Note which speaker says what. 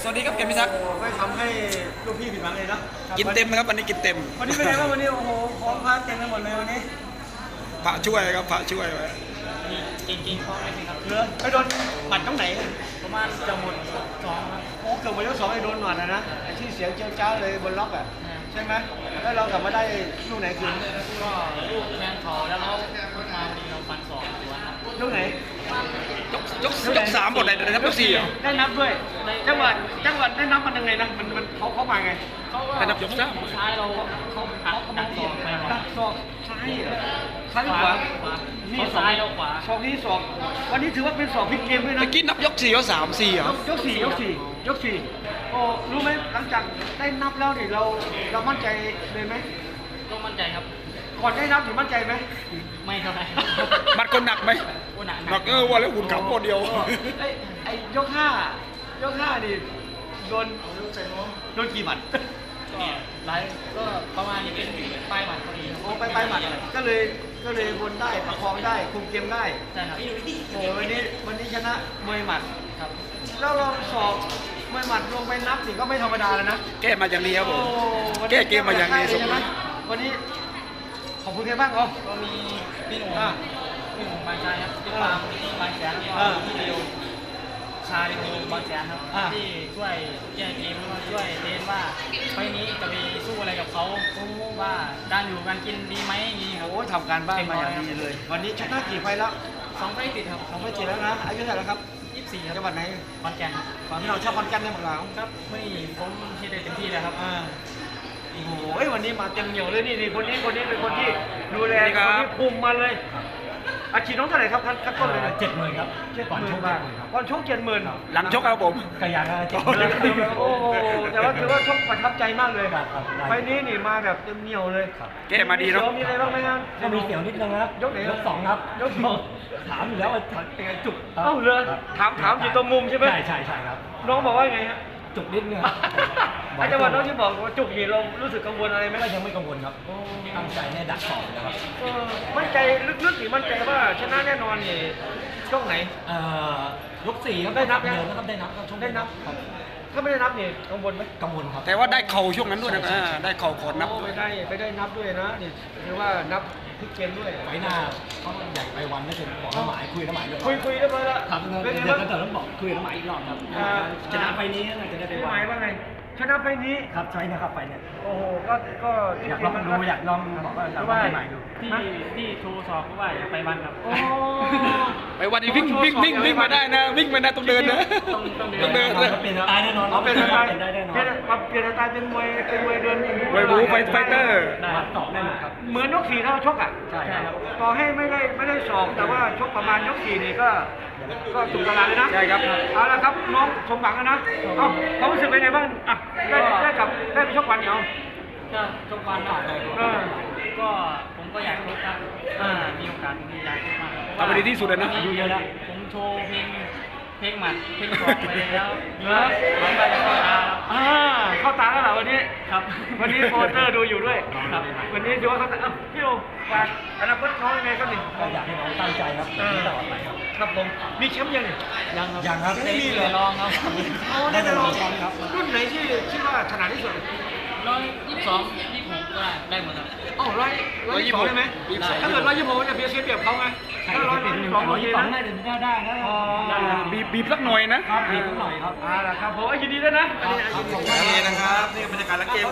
Speaker 1: สวัสดีครับเกมพิทักษ์
Speaker 2: ไม่ทำให้ลูกพี่ผิดหวังเลยนะ
Speaker 1: กินเต็มนะครับวันนี้กินเต็ม
Speaker 2: วันนี้เป็นไงบ้างวันนี้โอ้โหของพาเต็มไปหมดเลยวันนี้
Speaker 1: พระช่วยครับพระช่วยไว้
Speaker 3: จริงๆเขาไม่มีครับ
Speaker 2: เหลือไปโดนหมัดตรงไหน
Speaker 3: ประมาณจะหมดสองครับ
Speaker 2: โอ้เกือบหมดยกสองไอ้โดนหมัดนะไอ้ที่เสียงเจ้าเจ้าเลยบนล็อกอ่ะใช่ไหมแล้วเรากลับมาได้ลูกไหนคืน
Speaker 3: ก็ลูกแทงเขาแล้วเขามาดีเราฟันสองสวนครับ
Speaker 2: ลูกไหน
Speaker 1: ยกสามหมดเลยนะครับยกสี่เหรอ
Speaker 2: ได้นับด้วยจังหวะได้นับมันยังไงนะมันเขามาไง
Speaker 3: เขาก็
Speaker 1: แต่นับยกสาม
Speaker 3: ซ้ายเราเขาหักดักสองไป
Speaker 2: ดักศอกซ้ายเหรอซ้ายหรือขวา
Speaker 3: เขาซ้ายเราขวา
Speaker 2: ศอกนี้ศอกวันนี้ถือว่าเป็นศอกพลิกเกมด้วยนะ
Speaker 1: ตะกี้นับยกสี่ยกสามสี่เหรอย
Speaker 2: กสี่โอ้รู้ไหมหลังจากได้นับแล้วเนี่ยเรามั่นใจเลยไหม
Speaker 3: ก็มั่นใจครับ
Speaker 2: ก่อนได้นับถึงมั่นใจไหม
Speaker 3: ไม่เท่าไหร่
Speaker 1: บัตรคนหนักไหม
Speaker 3: โอ้หนัก
Speaker 1: หนักวันแล้วหุ่นขำคนเดียว
Speaker 2: ไอ้ยกห้นี่โดนกี่หมัด
Speaker 3: ก็ไลฟ์ก็ประมาณนี้เป็นป้ายหมัดพอดีครับ
Speaker 2: โอ้ไปหมัดก็เลยวนได้ประคองได้คุมเกมได้
Speaker 3: ใช่ครับ
Speaker 2: โอ้วันนี้ชนะมวยหมัด
Speaker 3: ครับ
Speaker 2: แล้วเราสอบมวยหมัดลงไปนับนี่ก็ไม่ธรรมดาแล้วนะ
Speaker 1: แก้มาอย่างนี้ครับผม
Speaker 2: โอ้วันนี้
Speaker 1: แก้เกมมาอย่างนี้
Speaker 2: ใช่ไหมวันนี้ขอบคุณใครบ้างอ๋อ
Speaker 3: ก็มีพี่หนุ่ม
Speaker 2: อ่า
Speaker 3: พี่หนุ่มบางชายครับพี่ปาล์มบางแสนแล้วก็พี่เดียวชาลิโอบางแสนครับที่ช่วยแก้เกมแล้วก็ช่วยเทรนว่าไฟล์นี้จะไปสู้อะไรกับเขาว่าการอยู่การกินดีไหมอย่างนี้ครับ
Speaker 2: โอ้ทำการบ้านมาอย่างดีเลย วันนี้ชนะกี่ไฟล์แล้ว
Speaker 3: สองไฟล์ติดครับ
Speaker 2: สองไฟล์เจ็ดแล้วนะอายุเท่าไหร่แล้วครับ
Speaker 3: 24ครับ
Speaker 2: จังหวัดไหน
Speaker 3: ขอนแก่นครับ
Speaker 2: ฝั่งที่เราชอบคอนกันได้หมดแล้ว
Speaker 3: ครับไม่ผมที่ได้เต็มที่เลยครับ
Speaker 2: โอ้โหวันนี้มาเต็มเหนียวเลยนี่คนนี้เป็นคนที่ดูแล
Speaker 1: สวัสดีครับ
Speaker 2: คนที่คุมมาเลยอาชีพน้องเท่าไหร่ครับขั้นต้นเลย
Speaker 4: 70,000ครับ
Speaker 2: ก่อนชกบาทก่อนชก70,000
Speaker 1: หลังชกครับผม
Speaker 4: กระยางก็
Speaker 2: โอ้โหแต่ว่าถือว่าชกประทับใจมากเลย
Speaker 4: ครับ
Speaker 2: ไฟล์นี้นี่มาแบบเต็มเหนียวเลย
Speaker 1: แก้มาดีเนาะ
Speaker 2: มีอะไรบ้างไหมครับ
Speaker 4: ก็มีเสียวนิดนึงครับ
Speaker 2: ยกไหน
Speaker 4: ยกสองครับ
Speaker 2: ยกสอง
Speaker 4: ถามอยู่แล้วว่าเป็นไงจุก
Speaker 2: เอ้าเลยถามอยู่ตรงมุมใช่ไหม
Speaker 4: ใช่ครับ
Speaker 2: น้องบอกว่าไงฮะ
Speaker 4: จุกนิดนึงครับ
Speaker 2: ไอ้จังหวะน้องที่บอกว่าจุกนี่เรารู้สึกกังวลอะไรไหม
Speaker 4: ก็ยังไม่กังวลครับตั้งใจให้ดักสองนะครับ
Speaker 2: มั่นใจลึกๆนี่มั่นใจว่าชนะแน่นอนนี่ช่วงไหน
Speaker 4: ยก4ครับ
Speaker 2: ได้นับนะ
Speaker 4: เดิมนะครับได้นับครับช่วง
Speaker 2: ได้นับ
Speaker 4: ครับ
Speaker 2: ถ้าไม่ได้นับนี่กังวลไหม
Speaker 4: กังวลครับ
Speaker 1: แต่ว่าได้เข่าช่วงนั้นด้วยนะได้เข่าก่อนนับ
Speaker 2: โอ้
Speaker 1: ด้วย
Speaker 2: ไม่ได้นับด้วยนะนี่ถือว่านับพลิกเกมด้วย
Speaker 4: ไว้หน้าเขาใหญ่ไปวันไม่ถึงบอกน้ำหมายคุยน้ำหมายเรียบร้
Speaker 2: คุ
Speaker 4: อย
Speaker 2: ยเรียบร้อยแล้ว
Speaker 4: ครับ
Speaker 2: เป็นไง
Speaker 4: เดี๋ยว
Speaker 2: บ้าง
Speaker 4: ก็ต้องบอกคุยน้ำหมายอีกรอบครับชนะไฟนี้น่าจะได้ไป
Speaker 2: พี่ห
Speaker 4: วั
Speaker 2: มาย
Speaker 4: น
Speaker 2: ว่าไงชนะไฟนี้
Speaker 4: ครับใช่นะครับไฟเนี่ย
Speaker 2: โอ้โหก็
Speaker 4: อยากลองดูอยากลองบอกว่าอยากลองใหม่ดู
Speaker 3: ที่โชว์สอบก็ว่าอย่าไปวันครับ
Speaker 2: โอ้
Speaker 1: ไปวันนี้วิ่งมาได้นะวิ่งมาได้ต้องเดินนะต้องเดินนะ
Speaker 4: เป็นตายแน่นอน
Speaker 2: เอาเป็นสไตล์
Speaker 4: เป็นได้แน่นอน
Speaker 2: เปลี่ยนสไตล์เป็นมวยเดิน
Speaker 1: มวยบู๊ไฟเตอร์
Speaker 4: วัดสอบได้หมดครับ
Speaker 2: เหมือนยกสี่ถ้าเราชกอ่ะ
Speaker 4: ใช่ครับ
Speaker 2: ต่อให้ไม่ได้สองแต่ว่าชกประมาณยกสี่นี่ก็ถูกตลาดเลยนะ
Speaker 1: ใช่ครับ
Speaker 2: เอาละครับน้องสมหวังแล้วนะเอ้าความรู้สึกเป็นไงบ้างอ่ะได้ไปชกวันเหนียว
Speaker 3: ก็ชกวันหน่อย
Speaker 2: เออ
Speaker 3: ก็ผมก็อยากชกครับมีโอกาสผมอยากชกมาก
Speaker 1: ทำไปดีที่สุดเลยนะ
Speaker 3: อายุเยอะแล้วผมโชว์เพลงหมัดเพลงสองไปแล้ว
Speaker 2: เหรอ
Speaker 3: มันไปเข้าตาครับ
Speaker 2: เข้าตาแล้วเหรอวันนี้
Speaker 3: ครับ
Speaker 2: วันนี้โปรเตอร์ดูอยู่ด้วย
Speaker 3: ครับ
Speaker 2: วันนี้ดูว่าเขาตาพี่โอฝากอนาคตน้องยังไงครับนี่
Speaker 4: ก็อยากให้น้องตั้งใจครับตลอดไปครับ
Speaker 2: ครับผมมีแชมป์ยังนี่
Speaker 3: ยังครับ
Speaker 4: ยังครับ
Speaker 2: ไม่มีเหรอ
Speaker 3: ลองครับ
Speaker 2: อ๋อได้แต่ลองรุ่นไหนที่คิดว่าถนัดที่สุด
Speaker 3: 122 26ก็ได้หมดครับ
Speaker 2: อ๋อ122ได้ไหม
Speaker 1: 126
Speaker 2: ถ้าเกิด126มันจะเพียเสียเปรียบเขาไงถ้า122โอเคนะ
Speaker 4: น่าจะได้นะ
Speaker 2: อ๋อ
Speaker 1: บีบสักหน่อยนะ
Speaker 4: ครับมีสักหน่อยครับ
Speaker 2: ล่ะครับผมยินดีด้วยนะอันนี้ยินดี
Speaker 1: โอเคนะครับนี่บรรยากาศหลังเกม